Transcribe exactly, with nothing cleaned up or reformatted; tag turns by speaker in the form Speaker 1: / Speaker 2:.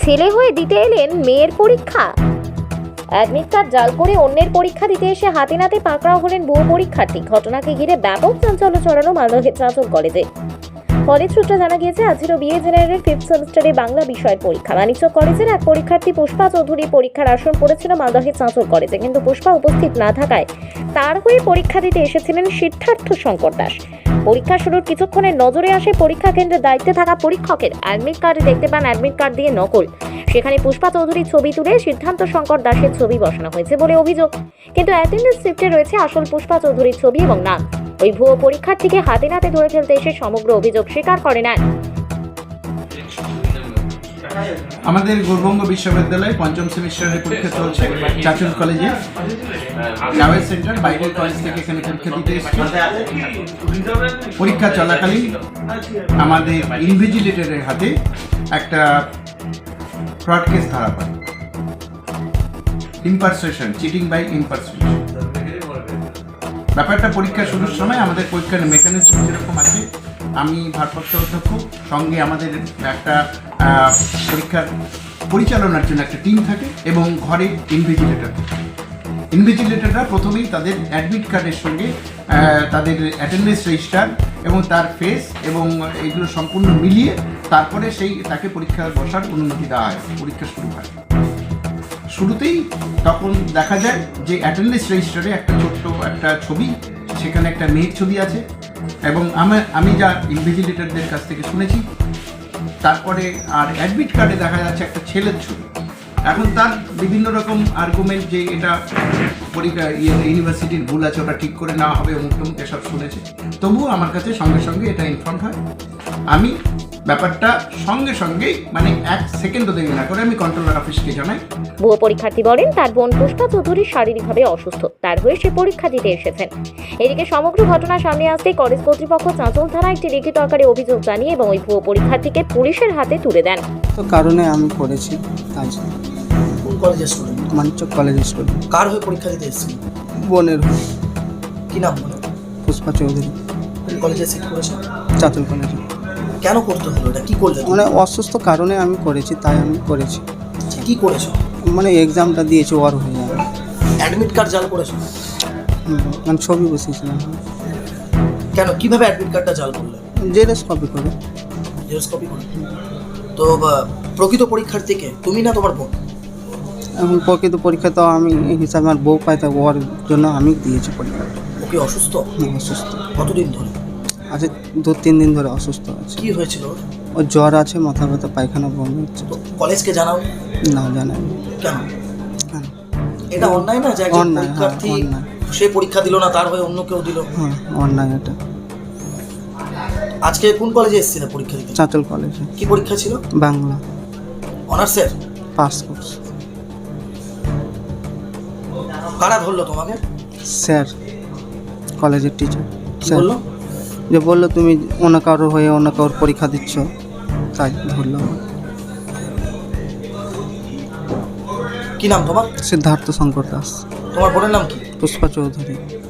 Speaker 1: ছেলে হয়ে দিতে এলেন মেয়ের পরীক্ষা। অ্যাডমিট কার্ড জাল করে অন্যের পরীক্ষা দিতে এসে হাতে নাতে পাকড়াও হলেন ভুয়ো পরীক্ষার্থী। ঘটনাকে ঘিরে ব্যাপক চাঞ্চল্য ছড়ানো মালদহের চাঁচল কলেজে। কলেজ সূত্রে জানা গিয়েছে, আজ ছিল বিএ জেনারেলের ফিফথ সেমিস্টারে বাংলা বিষয়ের পরীক্ষা। বাণিজ্য কলেজের এক পরীক্ষার্থী পুষ্পা চৌধুরী পরীক্ষার আসন পড়েছিল মালদহের চাঁচল কলেজে, কিন্তু পুষ্পা উপস্থিত না থাকায় তার হয়ে পরীক্ষা দিতে এসেছিলেন সিদ্ধার্থ শঙ্কর দাস। পরীক্ষা শুরুর কিছুক্ষণের নজরে আসে পরীক্ষা কেন্দ্রের দায়িত্বে থাকা পরীক্ষকের। অ্যাডমিট কার্ডে দেখতে পান অ্যাডমিট কার্ড দিয়ে নকল। সেখানে পুষ্পা চৌধুরীর ছবি তুলে সিদ্ধার্থ শঙ্কর দাসের ছবি বসানো হয়েছে বলে অভিযোগ, কিন্তু অ্যাটেন্ডেন্স শিটে রয়েছে আসল পুষ্পা চৌধুরীর ছবি এবং নাম। ওই ভুয়ো পরীক্ষার্থীকে হাতে নাতে ধরে ফেলতে এসে সমগ্র অভিযোগ স্বীকার করে নেন।
Speaker 2: আমাদের গৌরবঙ্গ বিশ্ববিদ্যালয়ে পঞ্চম সেমিস্টারের পরীক্ষা চলছে চাঁচল কলেজে। জাভেদ সেন্টার বাইরের কলেজ থেকে এখানে পরীক্ষা দিতে এসেছে। পরীক্ষা চলাকালীন আমাদের ইনভিজিলেটরের হাতে একটা ফ্রড কেস ধরা পড়ে, ইম্পারসেশন, চিটিং বাই ইম্পারসেশন। ব্যাপারটা পরীক্ষা শুরুর সময় আমাদের পরীক্ষার মেকানিজম যেরকম আছে, আমি ভারপ্রাপ্ত অধ্যক্ষ, সঙ্গে আমাদের একটা পরীক্ষার পরিচালনার জন্য একটা টিম থাকে এবং ঘরে ইনভিজিলেটর থাকে। ইনভিজিলেটররা প্রথমেই তাদের অ্যাডমিট কার্ডের সঙ্গে তাদের অ্যাটেন্ডেন্স রেজিস্টার এবং তার ফেস এবং এগুলো সম্পূর্ণ মিলিয়ে তারপরে সেই তাকে পরীক্ষা বসার অনুমতি দেওয়া হয়, পরীক্ষা শুরু হয়। শুরুতেই তখন দেখা যায় যে অ্যাটেন্ডেন্স রেজিস্টারে একটা ছোট্ট একটা ছবি, সেখানে একটা মেয়ের ছবি আছে এবং আমার আমি যা ইনভিজিলেটরদের কাছ থেকে শুনেছি, তারপরে আর অ্যাডমিট কার্ডে দেখা যাচ্ছে একটা ছেলের ছবি। এখন তার বিভিন্ন রকম আর্গুমেন্ট যে এটা পরীক্ষা ইউনিভার্সিটির ভুল আছে, ওটা ঠিক করে নেওয়া হবে, অমুক টমুক এসব শুনেছে। তবুও আমার কাছে সঙ্গে সঙ্গে এটা ইনফর্ম হয়। আমি ব্যাপারটা সঙ্গে সঙ্গেই মানে এক সেকেন্ডও দেরি না করে আমি কন্ট্রোলার অফিসকে জানাই।
Speaker 1: ভুয়ো পরীক্ষার্থী বলেন তার বোন পুষ্পা চৌধুরী শারীরিকভাবে অসুস্থ, তার হয়ে সে পরীক্ষা দিতে এসেছেন। এদিকে সমগ্র ঘটনা সামনে আসতেই কলেজ কর্তৃপক্ষ চাঁচল থানায় একটি লিখিত আকারে অভিযোগ জানিয়ে এবং ওই ভুয়ো পরীক্ষার্থীকে পুলিশের হাতে তুলে দেন।
Speaker 3: তো কারণে আমি করেছি তাই।
Speaker 4: কোন কলেজের স্টুডেন্ট?
Speaker 3: মানিকচক কলেজের স্টুডেন্ট।
Speaker 4: কার হয়ে পরীক্ষা দিতে এসেছেন?
Speaker 3: বোনের হয়ে।
Speaker 4: কি নাম বলো?
Speaker 3: পুষ্পা চৌধুরী।
Speaker 4: কোন কলেজে সিট করেছো?
Speaker 3: চাঁচল কলেজে।
Speaker 4: কেন করতে হলো এটা? কি করলে?
Speaker 3: মানে অসুস্থ কারণে আমি করেছি, তাই আমি করেছি।
Speaker 4: কি করেছো?
Speaker 3: মানে এক্সামটা দিয়েছি ওর হয়ে যাবে।
Speaker 4: অ্যাডমিট কার্ড জাল করেছো?
Speaker 3: মানে ছবি বসিয়েছিলাম।
Speaker 4: কেন, কিভাবে অ্যাডমিট কার্ডটা জাল করলে?
Speaker 3: জেরক্স কপি করে।
Speaker 4: জেরক্স কপি করে? তো প্রকৃত পরীক্ষার্থীকে তুমি না তোমার বোন?
Speaker 3: এবং প্রকৃত পরীক্ষা তো আমি এই হিসাবে আমার বউ পাই, তাই ওর জন্য আমি দিয়েছি পরীক্ষা।
Speaker 4: ও কি অসুস্থ?
Speaker 3: অসুস্থ।
Speaker 4: কতদিন ধরে?
Speaker 3: আচ্ছা, দু তিন দিন ধরে অসুস্থ আছে।
Speaker 4: কি হয়েছিল?
Speaker 3: ওর জ্বর আছে, মাথা ব্যথা, পায়খানা বমি হচ্ছে।
Speaker 4: তো কলেজকে জানাও?
Speaker 3: না, জানাই।
Speaker 4: কেন?
Speaker 3: কেন?
Speaker 4: এটা অন্যায় না যে একজন
Speaker 3: অন্যায়, হ্যাঁ,
Speaker 4: পরীক্ষার্থী
Speaker 3: অন্যায়।
Speaker 4: সে পরীক্ষা দিল না, তার হয়ে অন্য কেউ দিল।
Speaker 3: হ্যাঁ, অন্যায় এটা।
Speaker 4: আজকে কোন কলেজে এসেছিলে পরীক্ষা দিতে?
Speaker 3: চাঁচল কলেজে।
Speaker 4: কি পরীক্ষা ছিল?
Speaker 3: বাংলা
Speaker 4: অনার্সের
Speaker 3: পাস কোর্স।
Speaker 4: কারা ধরলো তোমাকে?
Speaker 3: স্যার, কলেজের টিচার।
Speaker 4: কি বললো?
Speaker 3: যে বললো তুমি অন্য কারোর হয়ে অন্য কারোর পরীক্ষা দিচ্ছ, তাই ধরলো।
Speaker 4: কি নাম তোমার?
Speaker 3: সিদ্ধার্থ শঙ্কর দাস।
Speaker 4: তোমার বোনের নাম কি?
Speaker 3: পুষ্পা চৌধুরী।